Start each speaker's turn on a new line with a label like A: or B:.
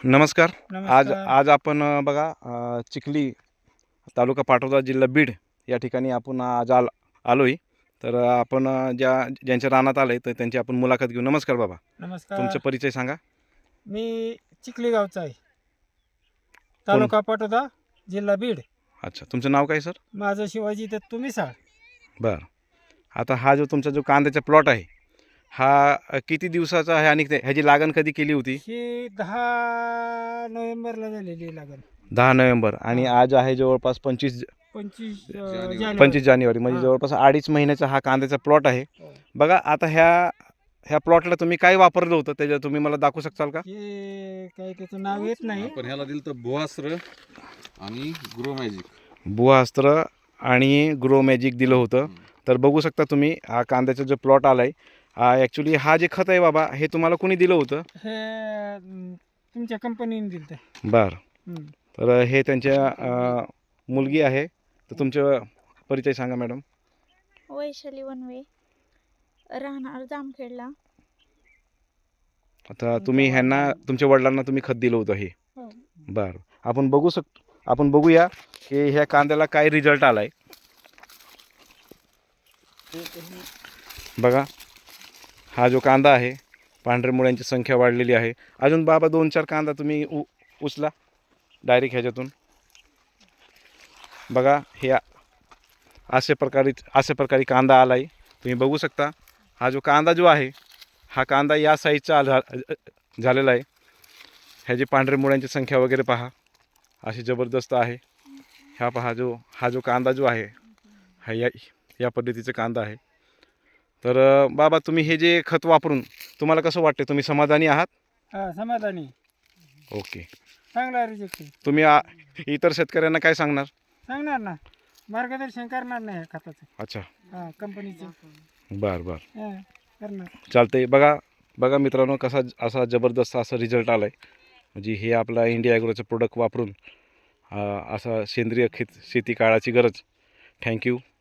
A: नमस्कार. आज
B: नमस्कार.
A: आज आपण बघा चिखली तालुका पाटोदा जिल्हा बीड या ठिकाणी आपण आज आलोय. तर आपण ज्यांच्या रानात आलोय तर त्यांची आपण मुलाखत घेऊ. नमस्कार बाबा,
B: नमस्कार.
A: तुमचा परिचय सांगा.
B: मी चिखली गावचा आहे,
A: कोण?
B: तालुका पाटोदा, जिल्हा बीड.
A: अच्छा, तुमचं नाव काय सर?
B: माझं शिवाजी दत्तू मिसाळ.
A: बरं. आता हा जो तुमचा जो कांद्याचा प्लॉट आहे हा किती दिवसाचा आहे आणि ह्याची लागण कधी केली होती?
B: ही 10 नोव्हेंबरला झालेली आहे लागण.
A: 10 नोव्हेंबर आणि
B: हां.
A: आज आहे जवळपास 25
B: 25
A: जानेवारी म्हणजे
B: हां.
A: जवळपास 2.5 महिन्याचा हा कांद्याचा प्लॉट आहे.
B: हो.
A: बघा आता ह्या प्लॉटला तुम्ही काय वापरलं होतं त्याच्यात तुम्ही मला दाखवू शकाल का?
B: हे काही त्याचं नाव येत नाही.
C: आपण ह्याला दिलं तर भुआस्त्र आणि ग्रो मॅजिक.
A: भुआस्त्र आणि ग्रो मॅजिक दिलं होतं. तर बघू शकता तुम्ही हा कांद्याचा जो प्लॉट आलाय ॲक्च्युली हा जे खत आहे बाबा हे तुम्हाला कोणी दिलं होतं?
B: हे तुमच्या कंपनीने दिलं ते.
A: बरं. तर हे त्यांच्या मुलगी आहे. तर तुमचं परिचय सांगा मॅडम.
D: वैशाली वनवे, राहणार जामखेडला.
A: आता तुम्ही ह्यांना तुमच्या वडिलांना तुम्ही खत दिलं होतं हे.
D: हो.
A: बरं. आपण बघूया की ह्या कांद्याला काय रिझल्ट आलाय. बघा हा जो कांदा आहे पांढऱ्या मुळ्यांची संख्या वाढलेली आहे. अजून बाबा 2-4 कांदा तुम्ही उचला डायरेक्ट ह्याच्यातून. बघा हे अशा प्रकारे कांदा आलाय. तुम्ही बघू शकता हा जो कांदा जो आहे हा कांदा या साईजचा झालेला आहे. ह्याची पांढऱ्या मुळ्यांची संख्या वगैरे पहा अशी जबरदस्त आहे. हा जो कांदा जो आहे हा या पद्धतीचा कांदा आहे. तर बाबा तुम्ही हे जे खत वापरून तुम्हाला कसं वाटते, तुम्ही समाधानी आहात?
B: हां, समाधानी.
A: ओके.
B: चांगला रिजेक्ट.
A: तुम्ही इतर शेतकऱ्यांना काय सांगणार?
B: सांगणार ना, मार्गदर्शन करणार नाही ह्या खताचं.
A: अच्छा.
B: हां, कंपनीचं.
A: बरं.
B: हां, करणार.
A: चालतंय. बघा मित्रांनो असा जबरदस्त असा रिझल्ट आला आहे. म्हणजे हे आपला इंडिया ॲग्रोचं प्रोडक्ट वापरून असा सेंद्रिय शेती काळाची गरज. थँक्यू.